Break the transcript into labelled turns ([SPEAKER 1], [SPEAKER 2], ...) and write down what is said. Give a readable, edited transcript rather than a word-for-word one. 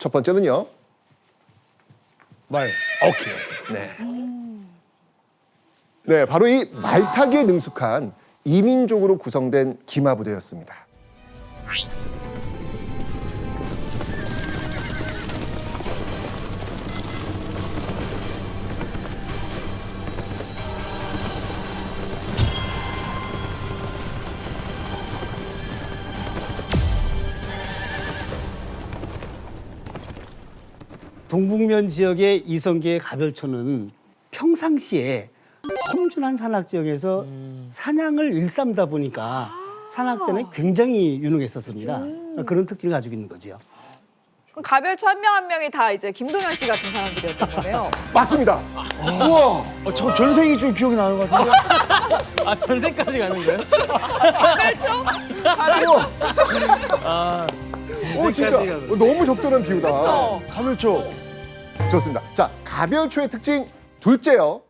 [SPEAKER 1] 첫 번째는요.
[SPEAKER 2] 말.
[SPEAKER 1] 오케이. 네. 네, 바로 이 말타기에 능숙한 이민족으로 구성된 기마부대였습니다.
[SPEAKER 3] 동북면 지역의 이성계의 가별초는 평상시에 험준한 산악 지역에서 사냥을 일삼다 보니까 산악전에 굉장히 유능했었습니다. 그런 특징을 가지고 있는 거죠.
[SPEAKER 4] 그럼 가별초 한 명 한 명이 다 이제 김동현 씨 같은 사람들이었던 거네요.
[SPEAKER 1] 맞습니다. 우와.
[SPEAKER 2] 저 전생이 좀 기억이 나는 것 같은데.
[SPEAKER 5] 아 전세까지 가는 거예요?
[SPEAKER 4] 가별초? 가별초.
[SPEAKER 1] 오, 진짜 너무 적절한 비유다.
[SPEAKER 4] 그쵸?
[SPEAKER 2] 가물초.
[SPEAKER 1] 좋습니다. 자, 가별초의 특징 둘째요.